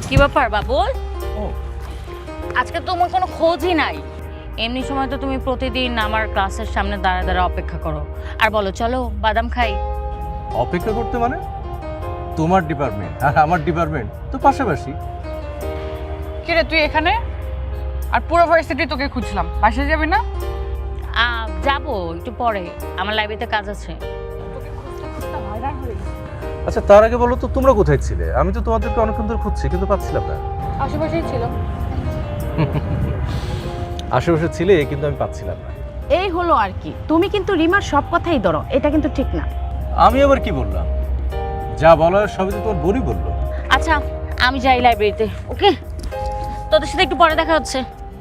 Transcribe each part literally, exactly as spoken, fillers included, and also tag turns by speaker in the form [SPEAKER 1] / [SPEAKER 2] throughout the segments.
[SPEAKER 1] কি ব্যাপার বাবুল? ও আজকে তোমার কোনো খোঁজই নাই। এমনি সময় তো তুমি প্রতিদিন আমার ক্লাসের সামনে দাঁড়া দাঁড়া অপেক্ষা করো আর বলো চলো বাদাম খাই।
[SPEAKER 2] অপেক্ষা করতে মানে? তোমার ডিপার্টমেন্ট আর আমার ডিপার্টমেন্ট তো পাশাপাশি।
[SPEAKER 3] কি রে তুই এখানে? আর পুরো ভার্সিটি তোকে খুঁজলাম, বাসায় যাবি না?
[SPEAKER 1] আহ যাবো একটু পরে, আমার লাইব্রেরিতে কাজ আছে।
[SPEAKER 2] আচ্ছা তার আগে বলো তো তোমরা কোথায় ছিলে? আমি তো তোমাদেরকে অনেকক্ষণ ধরে খুঁজছি কিন্তু পাচ্ছিলাম না।
[SPEAKER 3] আশেপাশেই ছিল।
[SPEAKER 2] আশেপাশে ছিলে কিন্তু আমি পাচ্ছিলাম না।
[SPEAKER 4] এই হলো আর কি, তুমি কিন্তু রিমার সব কথাই ধরো, এটা কিন্তু ঠিক না।
[SPEAKER 2] আমি আবার কি বললাম? যা বলার সবই তো তোমার বোনই বললো।
[SPEAKER 1] আচ্ছা আমি যাই লাইব্রেরিতে, ওকে? তোদের সাথে একটু পরে দেখা হচ্ছে।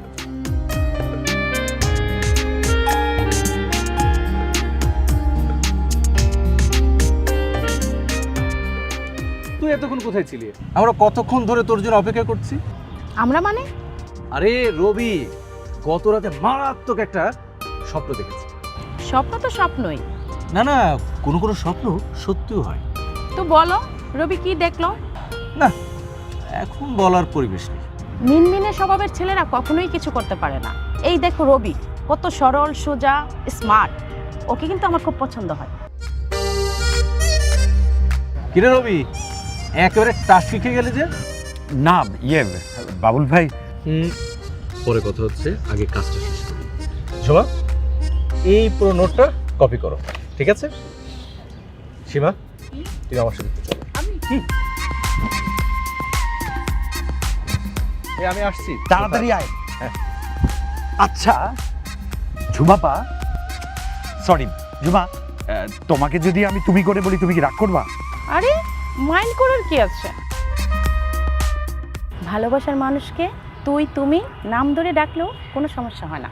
[SPEAKER 2] তুই এতক্ষণ কোথায় ছিলি? আমরা কতক্ষণ ধরে তোর জন্য অপেক্ষা করছি।
[SPEAKER 4] আমরা মানে?
[SPEAKER 2] আরে রবি, গত রাতে মারাত্মক একটা স্বপ্ন দেখেছি।
[SPEAKER 4] স্বপ্ন তো স্বপ্নই।
[SPEAKER 2] না না, কোনো কোনো স্বপ্ন সত্যিও হয়।
[SPEAKER 4] তো বলো রবি কি দেখলো?
[SPEAKER 2] না, এখন বলার পরিবেশ নেই।
[SPEAKER 4] মিনমিনে স্বভাবের ছেলেরা কখনোই কিছু করতে পারে না। এই দেখো রবি কত সরল সোজা স্মার্ট, ওকে কিন্তু আমার খুব পছন্দ হয়।
[SPEAKER 2] কিরে রবি, একেবারে টাস শিখে গেলে যে?
[SPEAKER 5] না ইয়ে বাবুল ভাই,
[SPEAKER 2] হুম, পরে কথা হচ্ছে, আগে কাজটা শেষ করি। ঝুমা, এই পুরো নোটটা কপি করো, ঠিক আছে? সীমা, তুমি আমার সাথে চলো। আমি এই আমি আসছি,
[SPEAKER 5] তাড়াতাড়ি আয়।
[SPEAKER 2] হ্যাঁ।
[SPEAKER 5] আচ্ছা ঝুমাপা, সরি ঝুমা, আহ, তোমাকে যদি আমি তুমি করে বলি তুমি কি রাগ করবা?
[SPEAKER 4] আরে মাইন্ড করার কি আছে? ভালোবাসার মানুষকে তুই তুমি নাম ধরে ডাকলেও কোনো সমস্যা হয় না।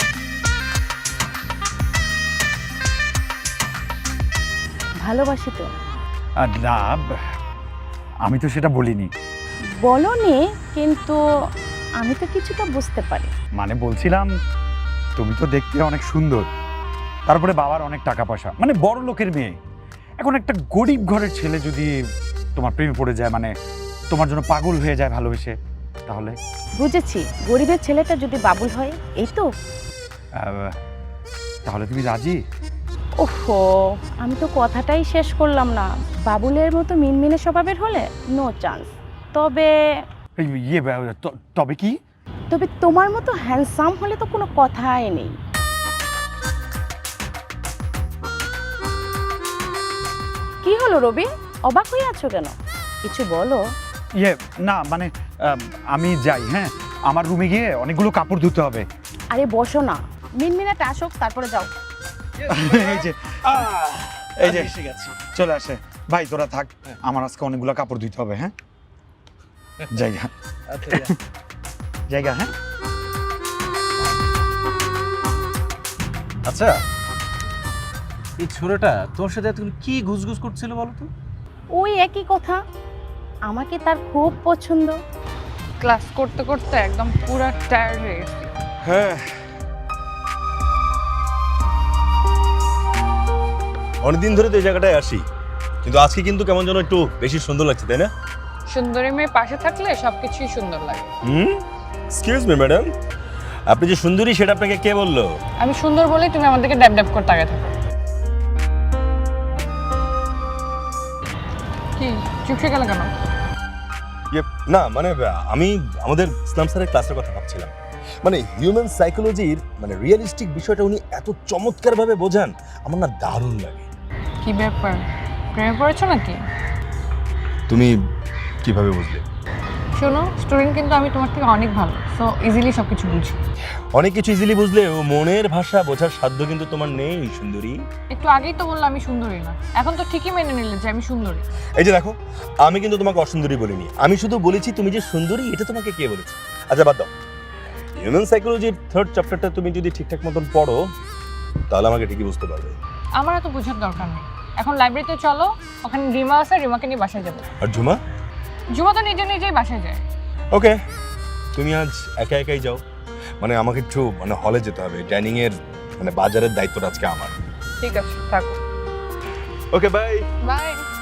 [SPEAKER 4] ভালোবাসি তো।
[SPEAKER 5] আহ, না, আমি তো সেটা বলিনি।
[SPEAKER 4] বলনি, কিন্তু আমি তো কিছুটা বুঝতে পারি।
[SPEAKER 5] মানে বলছিলাম তুমি তো দেখতে অনেক সুন্দর, তারপরে বাবার অনেক টাকা পয়সা, মানে বড় লোকের মেয়ে। এখন একটা গরিব ঘরের ছেলে যদি তোমার প্রেমে পড়ে যায়, মানে তোমার জন্য পাগল হয়ে যায় ভালোবেসে, তাহলে?
[SPEAKER 4] বুঝেছি, গরিবের ছেলেটা যদি বাবুল হয়, এই তো।
[SPEAKER 5] আহ, তাহলে তুমি রাজি?
[SPEAKER 4] ওহো, আমি তো কথাটাই শেষ করলাম না। বাবুলের মতো মিনমিনে স্বভাবের হলে নো চান্স। তবে
[SPEAKER 5] এই ইয়ে বা- ত- তবে কি?
[SPEAKER 4] তবে তোমার মতো হ্যান্ডসাম হলে তো কোনো কথাই নেই। কি হলো রবি, অবাক হয়ে আছো কেন? কিছু বলো।
[SPEAKER 5] ইয়ে না মানে আহ, আমি যাই, হ্যাঁ আমার রুমে গিয়ে অনেকগুলো কাপড় ধুতে হবে।
[SPEAKER 4] আরে বসো না, মিনমিনাটা আসুক তারপরে যাও।
[SPEAKER 5] এই যে এই যে এসে গেছি, চলে আসে। ভাই তোরা থাক, আমার আজকে অনেকগুলো কাপড় ধুতে হবে। হ্যাঁ জায়গা
[SPEAKER 2] আচ্ছা
[SPEAKER 5] জায়গা হ্যাঁ।
[SPEAKER 2] আচ্ছা, এই ছোড়াটা তোর সাথে এতক্ষণ কি ঘুষঘুষ করছিল বলো তো?
[SPEAKER 4] ওই একই কথা, আমাকে তার খুব পছন্দ।
[SPEAKER 3] ক্লাস করতে করতে একদম পুরা টায়ার্ড হয়ে গেছি।
[SPEAKER 5] হ্যাঁ
[SPEAKER 6] অনেকদিন ধরে তো এই জায়গাটায় আসি, কিন্তু আজকে কিন্তু কেমন যেন একটু বেশি সুন্দর লাগছে, তাই না?
[SPEAKER 3] সুন্দরী মেয়ে পাশে থাকলে সবকিছুই সুন্দর লাগে।
[SPEAKER 6] হুম, এক্সকিউজ মি ম্যাডাম, আপনি যে সুন্দরী সেটা আপনাকে কে বললো?
[SPEAKER 3] আমি সুন্দর বলেই তুমি আমাদেরকে ড্যাব ড্যাব করতে আগে থাকো। কি চুপসে গেল কেন?
[SPEAKER 6] ইয়ে, না মানে আমি আমাদের ইসলাম স্যারের ক্লাসের কথা ভাবছিলাম। মানে হিউম্যান সাইকোলজির মানে রিয়েলিস্টিক বিষয়টা উনি এত চমৎকারভাবে বোঝান, আমার না দারুণ লাগে।
[SPEAKER 3] কি ব্যাপার, প্রেমে পড়েছো নাকি?
[SPEAKER 6] তুমি কিভাবে বুঝলে?
[SPEAKER 3] শোনো, স্টুডেন্ট কিন্তু আমি তোমার থেকে অনেক ভালো, সো ইজিলি সব কিছু বুঝি।
[SPEAKER 6] অনেক কিছু ইজিলি বুঝলেও মনের ভাষা বোঝার সাধ্য কিন্তু তোমার নেই সুন্দরী।
[SPEAKER 3] একটু আগেই তো বললাম আমি সুন্দরী না, এখন তো ঠিকই মেনে নিলে যে আমি সুন্দরী।
[SPEAKER 6] এই যে দেখো, আমি কিন্তু তোমাকে অসুন্দরী বলিনি, আমি শুধু বলেছি তুমি যে সুন্দরী এটা তোমাকে কে বলেছে। আচ্ছা বাদ দাও, হিউম্যান সাইকোলজির থার্ড চ্যাপ্টারটা তুমি যদি ঠিকঠাক মতন পড়ো তাহলে আমাকে ঠিকই বুঝতে পারবে।
[SPEAKER 3] আমার এত বোঝার দরকার নেই, এখন লাইব্রেরিতে চলো, ওখানে রিমা আছে, রিমাকে নিয়ে বাসায় যাবো।
[SPEAKER 6] আর ঝুমা?
[SPEAKER 3] জুমা তো নিজে নিজেই বাসায় যায়।
[SPEAKER 6] ওকে, তুমি আজ একা একাই যাও, মানে আমাকে একটু মানে হলে যেতে হবে, ডাইনিং এর মানে বাজারের দায়িত্বটা আজকে আমার।
[SPEAKER 3] ঠিক আছে, থাকো।
[SPEAKER 6] Okay bye.
[SPEAKER 3] বাই।